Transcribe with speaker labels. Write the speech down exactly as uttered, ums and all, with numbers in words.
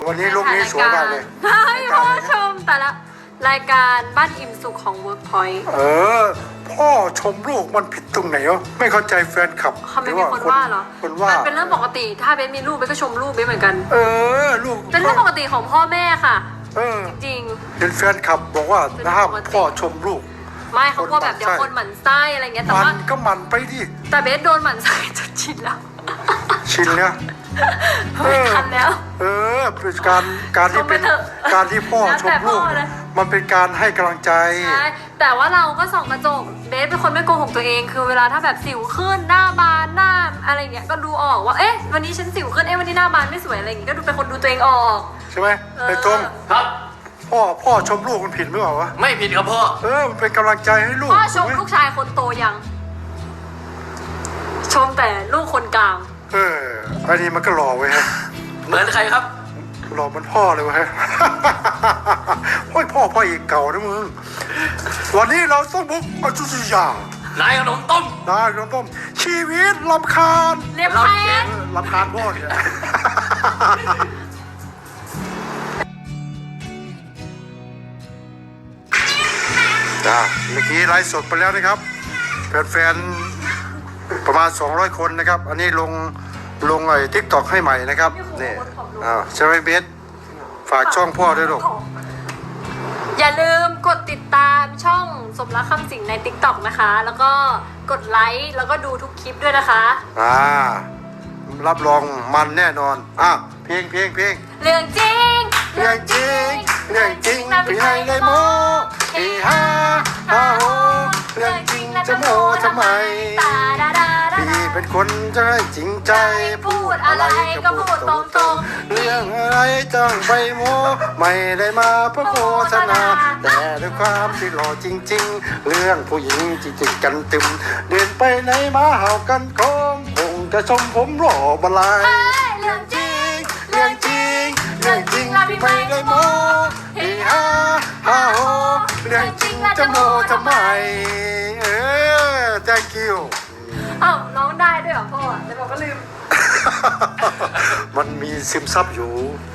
Speaker 1: วันนี้ลูกนี้สวยมากเลย
Speaker 2: ให้พ่อชมแต่ละรายการบ้านอิ่มสุขของ Workpoint
Speaker 1: เออพ่อชมลูกมันผิดตรงไหนวะไม่เข้าใจแฟนคลับ
Speaker 2: เขาไม่มีคนว่าเหรอ
Speaker 1: คนว่า
Speaker 2: มันเป็นเรื่องปกติถ้าเบสมีลูกเบสก็ชมลูกเบสเหมือนกัน
Speaker 1: เออลูก
Speaker 2: เป็นเรื่องปกติของพ่อแม่ค่ะ
Speaker 1: เออ
Speaker 2: จริง
Speaker 1: เป็นแฟนคลับบอกว่าห้ามพ่อชมลูก
Speaker 2: ไม่เขากลัวแบบเดี๋ยวคนหมั่นไส้อะไรเงี้ยแต่
Speaker 1: มั
Speaker 2: ว่าน
Speaker 1: ก็มันไปดิ
Speaker 2: แต่เบสโดนหมั่นไส้จนชินแล้ว
Speaker 1: ชินแล้ว
Speaker 2: ไม่ทันแล้ว
Speaker 1: เออเป็นการการที่เป็น
Speaker 2: ชมไปเถอะ
Speaker 1: การที่พ่อ
Speaker 2: แล้ว
Speaker 1: ช
Speaker 2: แต่
Speaker 1: มลูก
Speaker 2: พ่อเลย
Speaker 1: มันเป็นการให้กำลังใจ
Speaker 2: ใช่แต่ว่าเราก็ส่องกระจกเบสเป็นคนไม่โกหกตัวเองคือเวลาถ้าแบบสิวขึ้นหน้าบานหน้าอะไรเงี้ยก็ดูออกว่าเอ๊ะวันนี้ฉันสิวขึ้นเอ๊ะวันนี้หน้าบานไม่สวยอะไรอย่างงี้ก็ดูเป็นคนดูตัวเองออก
Speaker 1: ใช่ไหม
Speaker 2: เออ
Speaker 1: ไอ้ตรง
Speaker 3: ครับ
Speaker 1: พ่อพ่อชมลูกมันผิดหรือเปล่าวะ
Speaker 3: ไม่ผิดครับพ่อ
Speaker 1: เออมันเป็นกำลังใจให้ลูก
Speaker 2: พ่อชม
Speaker 1: ถูกไห
Speaker 2: ลูกชายคนโตยัง ชมแต่ลูกคนกลาง
Speaker 1: เอออันนี้มันก็หล่อไว้ยฮะ
Speaker 3: เหมือนใครครับ
Speaker 1: หล่อเหมันพ่อเลยเวะ โอ้ยพ่อพ่ออีกเก่านะมึงวันนี้เราต้องบุกอจุสยาน
Speaker 3: ายขนมต้ม
Speaker 1: นะน้องต้มชีวิตลำคาญ
Speaker 2: เรียบแพน
Speaker 1: ลำคาญพ่อเนี่ย จ้าเมื่อกี้ไลฟ์สดไปแล้วนะครับแฟนๆประมาณสองร้อยคนนะครับ อันนี้ลงลงไอ้ทิกตอกให้ใหม่นะครับนี่อ้าวใช่ไหมเบสฝากช่องพ่อด้วยลูก
Speaker 2: อย่าลืมกดติดตามช่องสมรักคำสิงใน ติ๊กต็อก นะคะ แล้วก็กดไลค์แล้วก็ดูทุกคลิปด้วยนะคะ
Speaker 1: อ่ารับรองมันแน่นอนอ่ะเพลงเพลงเพลง
Speaker 2: เรื่องจริง
Speaker 1: เรื่องจริงเรื่องจริงพี่ให้เลยโมเฮฮาฮาโฮเรื่องจริงจะโมทำไม
Speaker 2: ตาดาดาดา
Speaker 1: พี่เป็นคนจะให้จริงใจพูดอะไรก็พูดตรงๆเรื่องอะไรจ้องไปโมไม่ได้มาเพื่อโฆษณาแต่ด้วยความที่หล่อจริง ๆ เรื่องผู้หญิงจริงๆกันตึมเดินไปไหนมาเห่ากันโค้งคงจะชมผมหล่อบลาย
Speaker 2: เอ้ยเรื่องจริง
Speaker 1: เรื่องจริงเรื่องจริงพี่ไม่ได้โมเฮฮาฮาโฮเรื่องจริงจะโมทำไมเออ thank you
Speaker 2: เอ้าร้องได้ด้วยเหรอพ่อแต่บอกก็ลืม
Speaker 1: มันมีซึมซับอยู่